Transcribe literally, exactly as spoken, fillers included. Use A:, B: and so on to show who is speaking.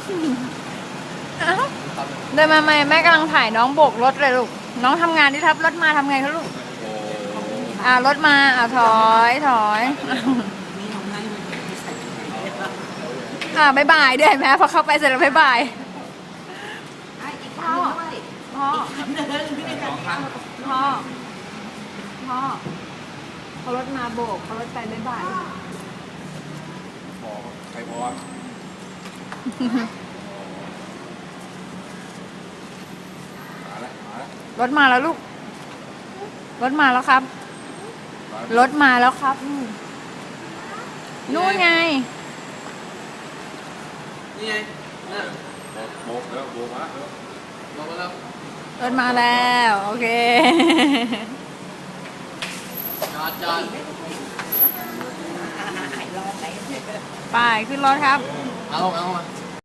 A: เอ้าเดินมาไหมแม่กำลังถ่ายน้องโบกรถเลยลูกน้องทำงานที่ทับรถมาทำไงคะลูกอ่ารถมาอ่าถอยถอยอ่าบายบายด้วยแม่พอเข้าไปเสร็จแล้วบายบายพ่อพ่อพ่อพ่อเขารถมาโบกเขารถไปบายบาย
B: พอใครพอมาแล้วมาแล้ว
A: รถมาแล้วลูกรถมาแล้วครับรถมาแล้วครับนู่นไง
C: นี่ไงน่ะ
B: โบกแล้วโบกมาแล้ว
C: บอกมาแล้ว
A: รถมาแล้วโอเค
C: จอดจอด
A: ไปขึ้นรถครับ
C: เอาเอามา